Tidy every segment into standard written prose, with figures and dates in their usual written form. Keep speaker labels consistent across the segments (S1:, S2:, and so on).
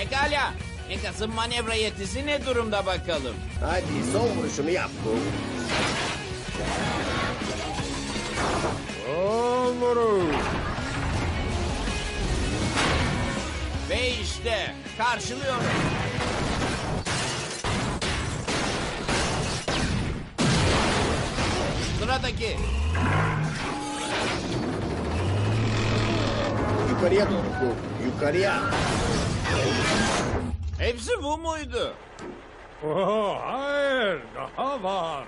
S1: Pekala. Megas'ın manevra yetisi ne durumda bakalım?
S2: Hadi son vuruşunu yap bu.
S3: Son vuruş.
S1: Ve işte karşılıyorum. Sıradaki.
S2: Yukarıya doğru bu. Yukarıya.
S1: Hepsi bu muydu?
S3: Oh, hayır, daha var.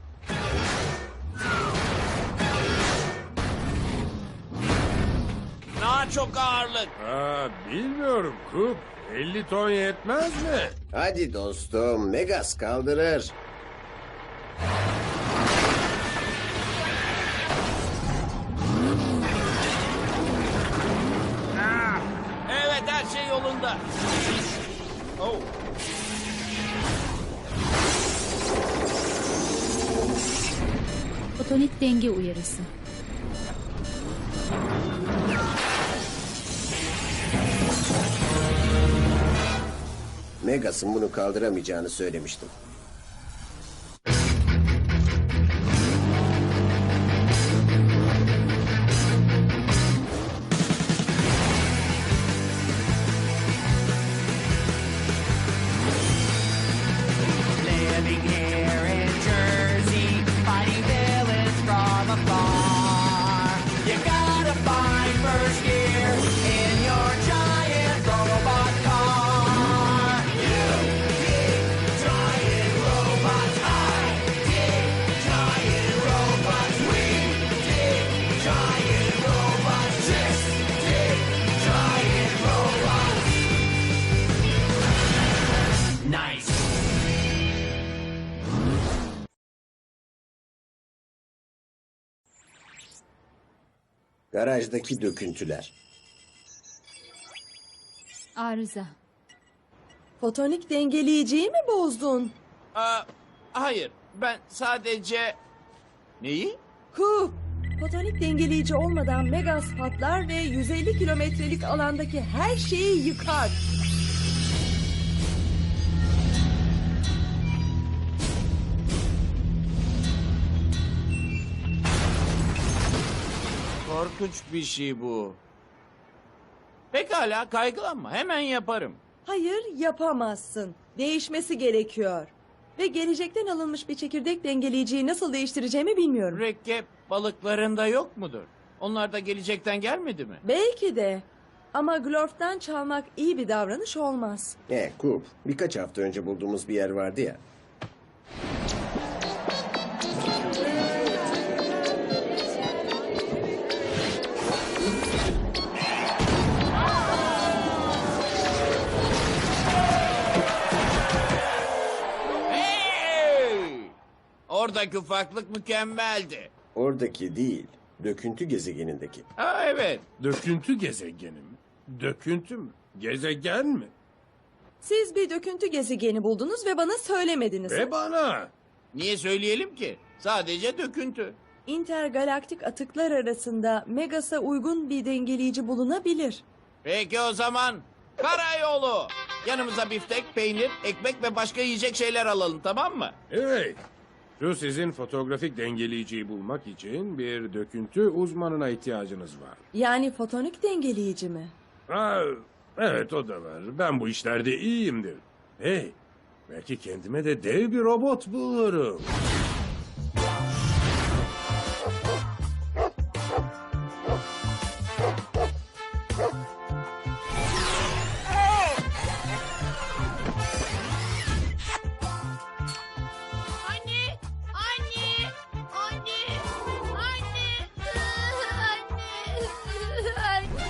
S1: Daha çok ağırlık.
S3: Bilmiyorum Kup. 50 ton yetmez mi?
S2: Hadi dostum. Megas kaldırır.
S1: Evet, her şey yolunda. Oh.
S4: Fotonik denge uyarısı.
S2: Megas'ın bunu kaldıramayacağını söylemiştim.
S5: Living here in Jersey, fighting villains from afar. You gotta find first gear in your giant robot car. You dig giant robots, I dig giant robots, we dig giant robots, just dig giant robots. Nice.
S2: Garajdaki döküntüler.
S4: Arıza.
S6: Fotonik dengeleyiciyi mi bozdun?
S1: Hayır, ben sadece... Neyi?
S6: Kup! Fotonik dengeleyici olmadan Megas patlar ve 150 kilometrelik alandaki her şeyi yıkar.
S1: Korkunç bir şey bu. Pekala, kaygılanma. Hemen yaparım.
S6: Hayır, yapamazsın. Değişmesi gerekiyor. Ve gelecekten alınmış bir çekirdek dengeleyiciyi nasıl değiştireceğimi bilmiyorum.
S1: Mürekkep balıklarında yok mudur? Onlar da gelecekten gelmedi mi?
S6: Belki de. Ama Glorf'tan çalmak iyi bir davranış olmaz.
S2: Kup. Birkaç hafta önce bulduğumuz bir yer vardı ya.
S1: Hey! Oradaki ufaklık mükemmeldi.
S2: Oradaki değil. Döküntü gezegenindeki.
S1: Ha, evet.
S3: Döküntü gezegeni mi? Döküntü mü? Gezegen mi?
S6: Siz bir döküntü gezegeni buldunuz ve bana söylemediniz.
S3: Ve bana.
S1: Niye söyleyelim ki? Sadece döküntü.
S6: İntergalaktik atıklar arasında Megas'a uygun bir dengeleyici bulunabilir.
S1: Peki o zaman karayolu. Yanımıza biftek, peynir, ekmek ve başka yiyecek şeyler alalım, tamam mı?
S3: Evet. Şu sizin fotoğrafik dengeleyiciyi bulmak için bir döküntü uzmanına ihtiyacınız var.
S6: Yani fotonik dengeleyici mi?
S3: Evet o da var. Ben bu işlerde iyiyimdir. Hey, belki kendime de dev bir robot bulurum.
S7: Anne! Anne! Anne! Anne! Anne!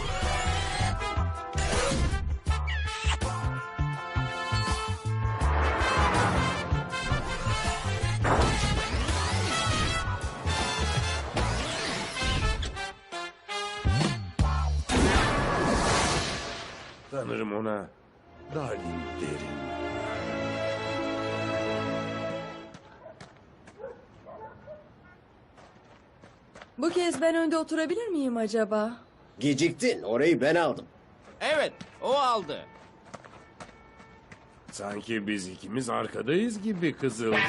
S3: Sanırım ona Dalin derim.
S6: Bu kez ben önde oturabilir miyim acaba?
S2: Geciktin. Orayı ben aldım.
S1: Evet, o aldı.
S3: Sanki biz ikimiz arkadayız gibi Kızılcık.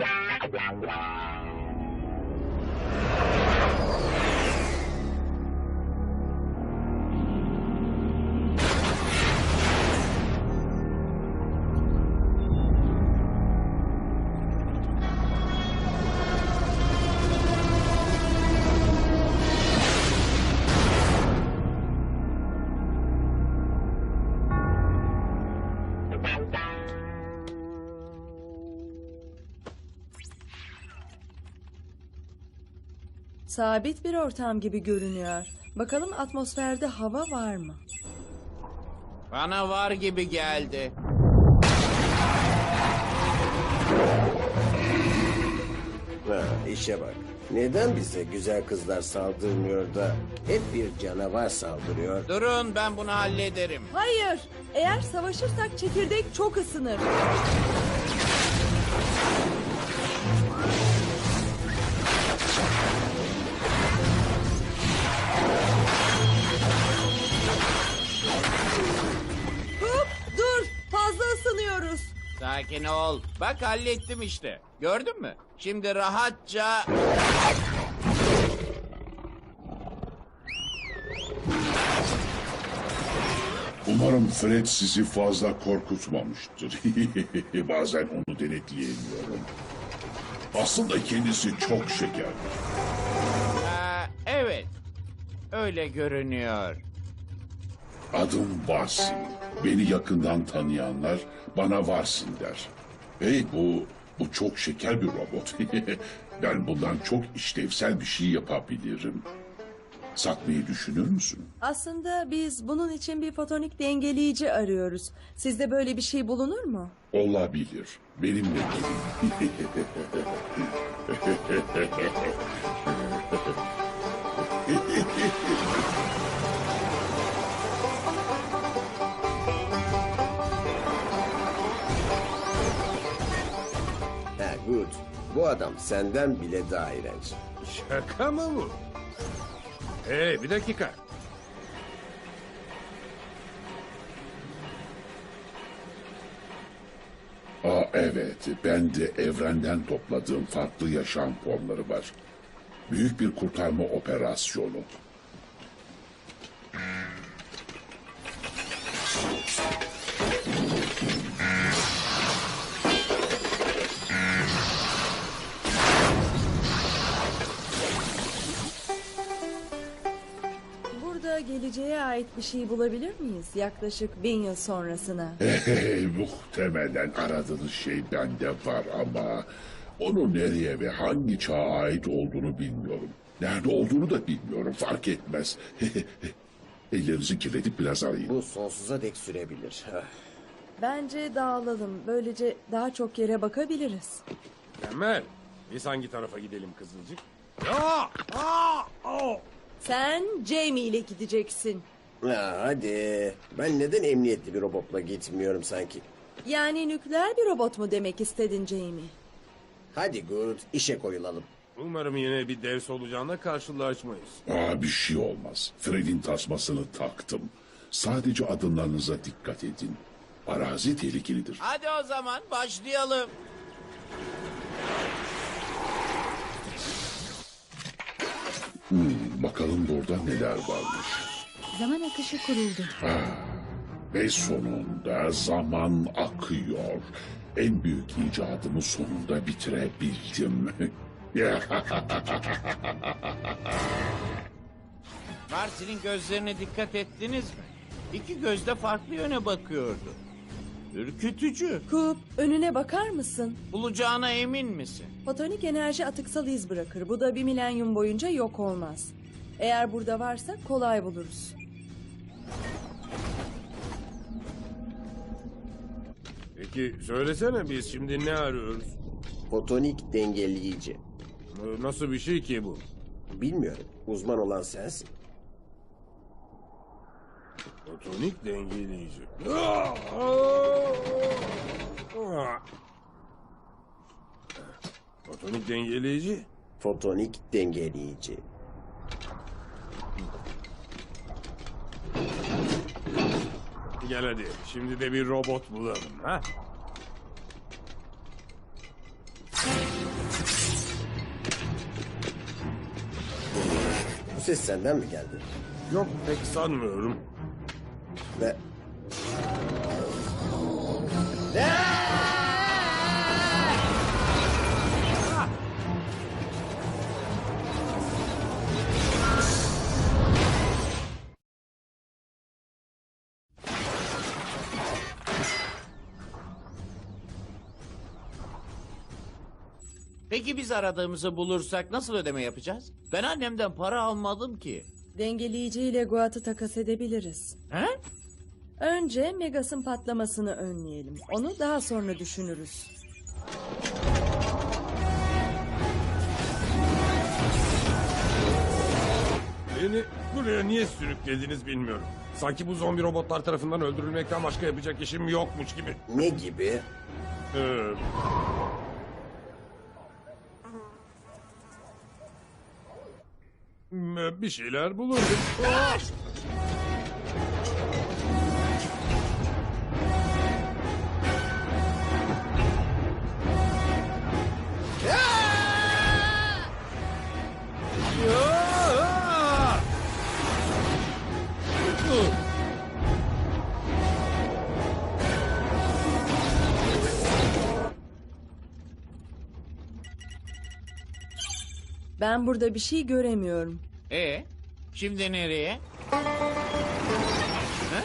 S6: Sabit bir ortam gibi görünüyor. Bakalım atmosferde hava var mı?
S1: Bana var gibi geldi.
S2: Ha, işe bak. Neden bize güzel kızlar saldırmıyor da hep bir canavar saldırıyor?
S1: Durun, ben bunu hallederim.
S6: Hayır. Eğer savaşırsak çekirdek çok ısınır. Hop, dur. Fazla ısınıyoruz.
S1: Sakin ol. Bak hallettim işte. Gördün mü? Şimdi rahatça...
S8: Umarım Fred sizi fazla korkutmamıştır. Bazen onu denetleyemiyorum. Aslında kendisi çok şeker.
S1: Evet. Öyle görünüyor.
S8: Adım Varsin. Beni yakından tanıyanlar bana Varsin der. Hey bu çok şeker bir robot. Ben bundan çok işlevsel bir şey yapabilirim. Satmayı düşünür müsün?
S6: Aslında biz bunun için bir fotonik dengeleyici arıyoruz. Sizde böyle bir şey bulunur mu?
S8: Olabilir. Benimle gelin.
S2: Ha, good. Bu adam senden bile daha iğrenç.
S3: Şaka mı bu? Hey, bir dakika.
S8: Evet, ben de evrenden topladığım farklı yaşam formları var. Büyük bir kurtarma operasyonu.
S6: Burada geleceğe ait bir şey bulabilir miyiz? Yaklaşık 1000 yıl sonrasına.
S8: Muhtemelen aradığınız şey bende var ama... ...onu nereye ve hangi çağa ait olduğunu bilmiyorum. Nerede olduğunu da bilmiyorum, fark etmez. Ellerinizi kirletip biraz arayın.
S2: Bu sonsuza dek sürebilir.
S6: Bence dağılalım. Böylece daha çok yere bakabiliriz.
S3: Mükemmel. Biz hangi tarafa gidelim Kızılcık?
S6: Sen Jamie ile gideceksin.
S2: Ha, hadi. Ben neden emniyetli bir robotla gitmiyorum sanki?
S6: Yani nükleer bir robot mu demek istedin Jamie?
S2: Hadi good, işe koyulalım.
S3: Umarım yine bir dev solucanla karşılaşmayız.
S8: Bir şey olmaz. Fred'in tasmasını taktım. Sadece adımlarınıza dikkat edin. Arazi tehlikelidir.
S1: Hadi o zaman başlayalım.
S8: Bakalım burada neler varmış.
S4: Zaman akışı kuruldu.
S8: Ve sonunda zaman akıyor. En büyük icadımı sonunda bitirebildim.
S1: Marsil'in gözlerine dikkat ettiniz mi? İki gözde farklı yöne bakıyordu. Ürkütücü.
S6: Coop, önüne bakar mısın?
S1: Bulacağına emin misin?
S6: Fotonik enerji atıksal iz bırakır. Bu da 1 milenyum boyunca yok olmaz. Eğer burada varsa kolay buluruz.
S3: Peki söylesene, biz şimdi ne arıyoruz?
S2: Fotonik dengeleyici.
S3: Nasıl bir şey ki bu?
S2: Bilmiyorum. Uzman olan sensin.
S3: Fotonik dengeleyici. Fotonik dengeleyici?
S2: Fotonik dengeleyici.
S3: Gel hadi, şimdi de bir robot bulalım. Ha?
S2: Bu ses senden mi geldi?
S3: Yok pek sanmıyorum.
S2: Ve...
S1: Peki biz aradığımızı bulursak nasıl ödeme yapacağız? Ben annemden para almadım ki.
S6: Dengeleyiciyle Guat'ı takas edebiliriz.
S1: He?
S6: Önce Megas'ın patlamasını önleyelim. Onu daha sonra düşünürüz.
S3: Beni buraya niye sürüklediniz bilmiyorum. Sanki bu zombi robotlar tarafından öldürülmekten başka yapacak işim yokmuş gibi.
S2: Ne gibi?
S3: Ee, bir şeyler bulurdum.
S6: Ben burada bir şey göremiyorum.
S1: Şimdi nereye? He?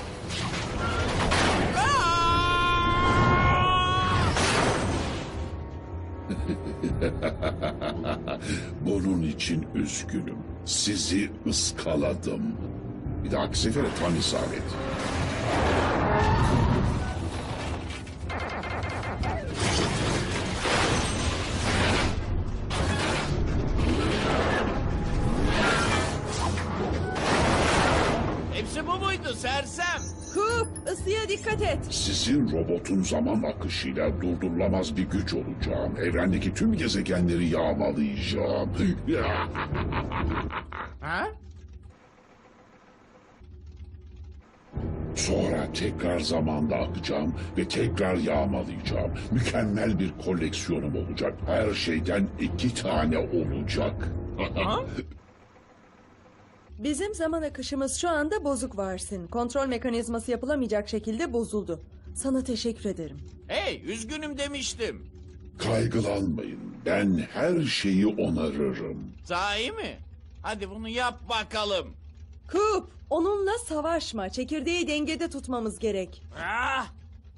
S8: Bunun için üzgünüm. Sizi ıskaladım. Bir dahaki sefere tam isabet.
S1: Hepsi bu muydu sersem?
S6: Coop, ısıya dikkat et.
S8: Sizin robotun zaman akışıyla durdurulamaz bir güç olacağım. Evrendeki tüm gezegenleri yağmalayacağım.
S1: Ha?
S8: Sonra tekrar zamanda akacağım ve tekrar yağmalayacağım. Mükemmel bir koleksiyonum olacak. Her şeyden 2 tane olacak.
S6: Bizim zaman akışımız şu anda bozuk varsın. Kontrol mekanizması yapılamayacak şekilde bozuldu. Sana teşekkür ederim.
S1: Hey, üzgünüm demiştim.
S8: Kaygılanmayın. Ben her şeyi onarırım.
S1: Sahi mi? Hadi bunu yap bakalım.
S6: Coop, onunla savaşma. Çekirdeği dengede tutmamız gerek.
S1: Ah!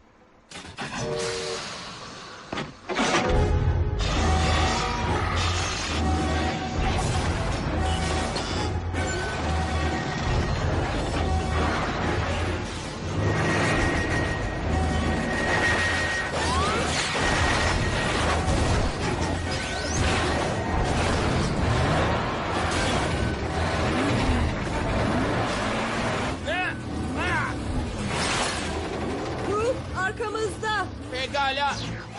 S6: Coop, arkamızda.
S1: Pekala.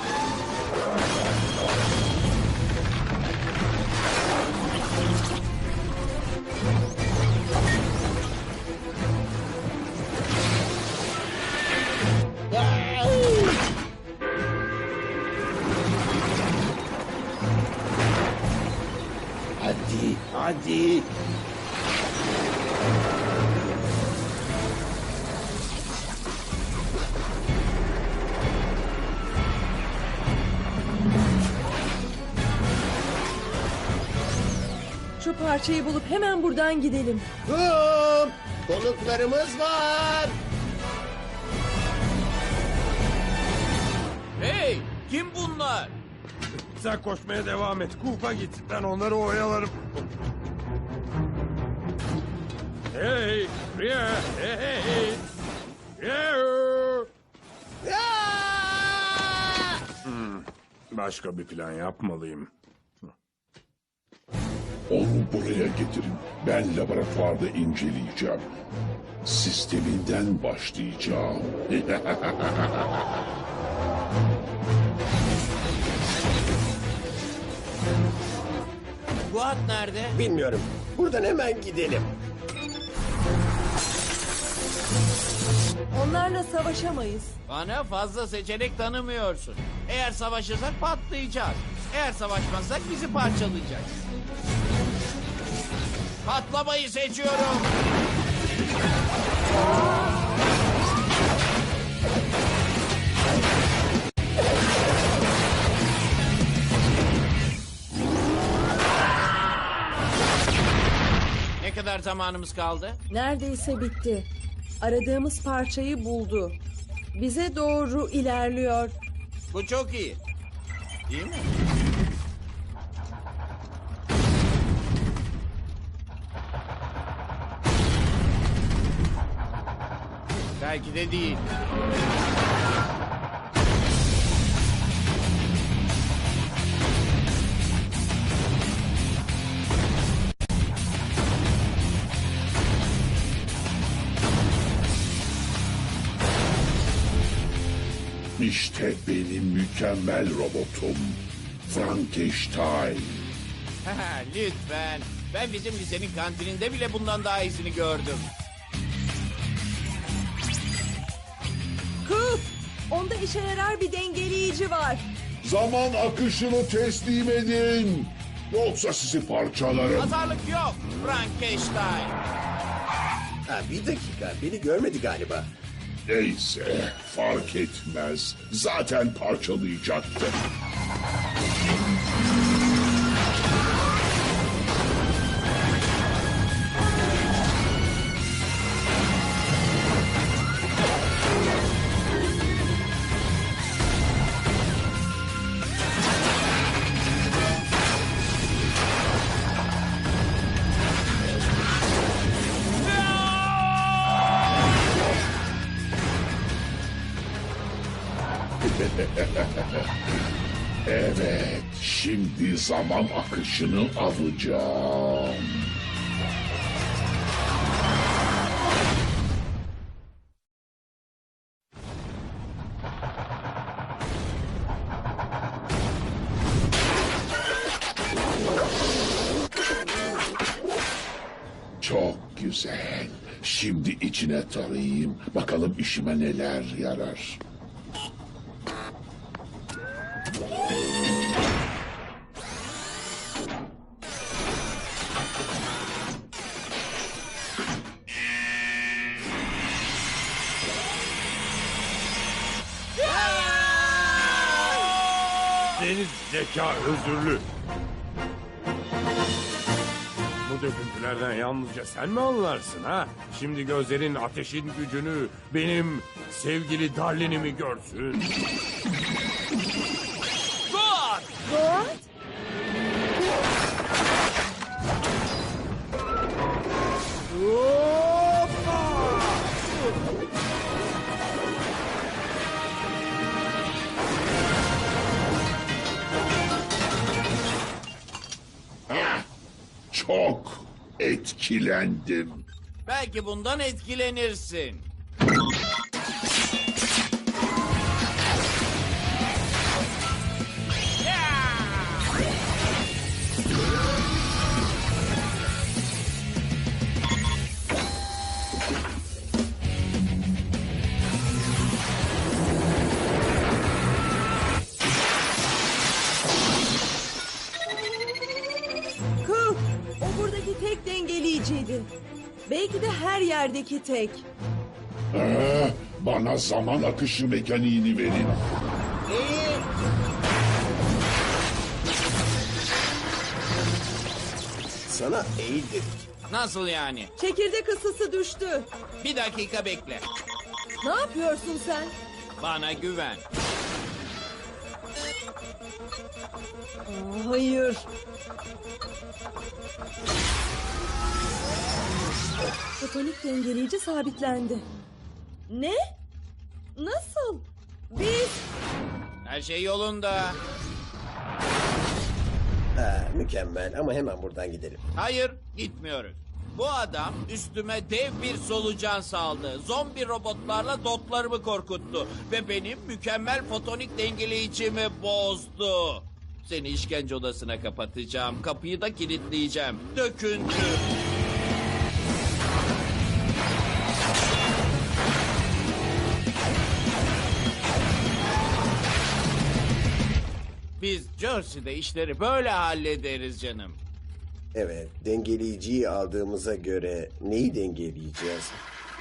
S2: Hadi, hadi.
S6: Şu parçayı bulup hemen buradan gidelim.
S2: Hop! Konuklarımız var.
S1: Hey, kim bunlar?
S3: Sen koşmaya devam et. Kupa git. Ben onları oyalarım. Hey! Yeah! Hey! Hey! Hey! Yeah! Başka bir plan yapmalıyım.
S8: Onu buraya getirin. Ben laboratuvarda inceleyeceğim. Sisteminden başlayacağım.
S1: Guat nerede?
S2: Bilmiyorum. Buradan hemen gidelim.
S6: Onlarla savaşamayız.
S1: Bana fazla seçenek tanımıyorsun. Eğer savaşırsak patlayacağız. Eğer savaşmazsak bizi parçalayacak. Patlamayı seçiyorum. Ne kadar zamanımız kaldı?
S6: Neredeyse bitti. Aradığımız parçayı buldu. Bize doğru ilerliyor.
S1: Bu çok iyi. Değil mi? Belki de değil.
S8: İşte benim mükemmel robotum. Frankenstein.
S1: Lütfen. Ben bizim lisenin kantininde bile bundan daha iyisini gördüm.
S6: Kuf! Onda işe yarar bir dengeleyici var.
S8: Zaman akışını teslim edin. Yoksa sizi parçalarım.
S1: Pazarlık yok. Frankenstein.
S2: Ha, bir dakika, beni görmedi galiba.
S8: Neyse, fark etmez. Zaten parçalayacaktı. Evet, şimdi zaman akışını alacağım. Çok güzel. Şimdi içine tarayayım. Bakalım işime neler yarar.
S3: Deniz zeka özürlü. Bu döküntülerden yalnızca sen mi anlarsın ha? Şimdi gözlerin ateşin gücünü, benim sevgili Darlin'imi görsün.
S1: Dur!
S6: Doğat?
S8: Çok etkilendim.
S1: Belki bundan etkilenirsin.
S6: Kuf! O buradaki tek dengeleyiciydi. Belki de her yerdeki tek.
S8: Bana zaman akışı mekaniğini verin.
S2: Sana eğil dedik.
S1: Nasıl yani?
S6: Çekirdek ısısı düştü.
S1: Bir dakika bekle.
S6: Ne yapıyorsun sen?
S1: Bana güven.
S6: Hayır. Fotonik dengeleyici sabitlendi. Ne? Nasıl? Biz...
S1: Her şey yolunda.
S2: Ha, mükemmel ama hemen buradan gidelim.
S1: Hayır, gitmiyoruz. Bu adam üstüme dev bir solucan saldı. Zombi robotlarla dotlarımı korkuttu. Ve benim mükemmel fotonik dengeleyicimi bozdu. Seni işkence odasına kapatacağım. Kapıyı da kilitleyeceğim. Döküntü. Biz Jersey'de işleri böyle hallederiz canım.
S2: Evet, dengeleyiciyi aldığımıza göre neyi dengeleyeceğiz?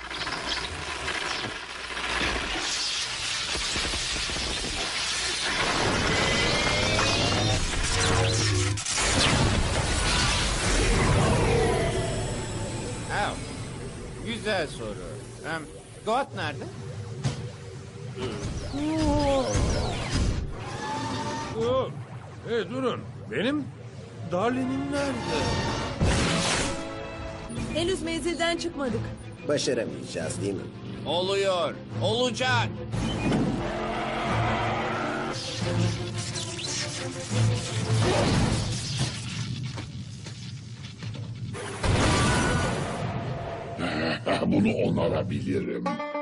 S1: Ha, güzel soru. Goat nerede?
S3: Hey durun. Benim Darlin'im nerede?
S6: Henüz menzilden çıkmadık.
S2: Başaramayacağız değil mi?
S1: Oluyor. Olacak.
S8: Bunu onarabilirim.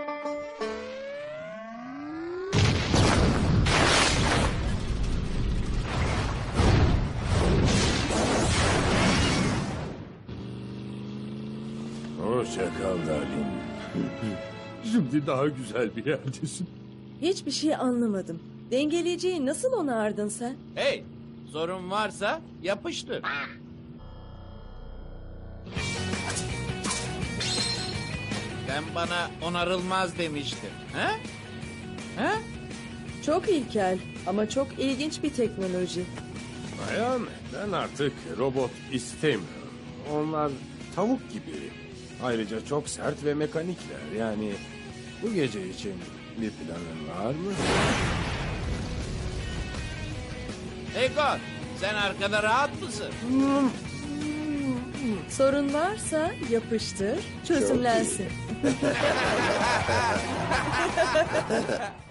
S3: Hoşça kal Darlin. Şimdi daha güzel bir yerdesin.
S6: Hiçbir şey anlamadım. Dengeleyiciyi nasıl onardın sen?
S1: Hey, sorun varsa yapıştır. Sen bana onarılmaz demiştin. He? He?
S6: Çok ilkel ama çok ilginç bir teknoloji.
S3: Bayan, ben artık robot istemiyorum. Onlar tavuk gibi. Ayrıca çok sert ve mekanikler. Yani bu gece için bir planın var mı?
S1: Hey God, sen arkada rahat mısın?
S6: Sorun varsa yapıştır, çözümlensin.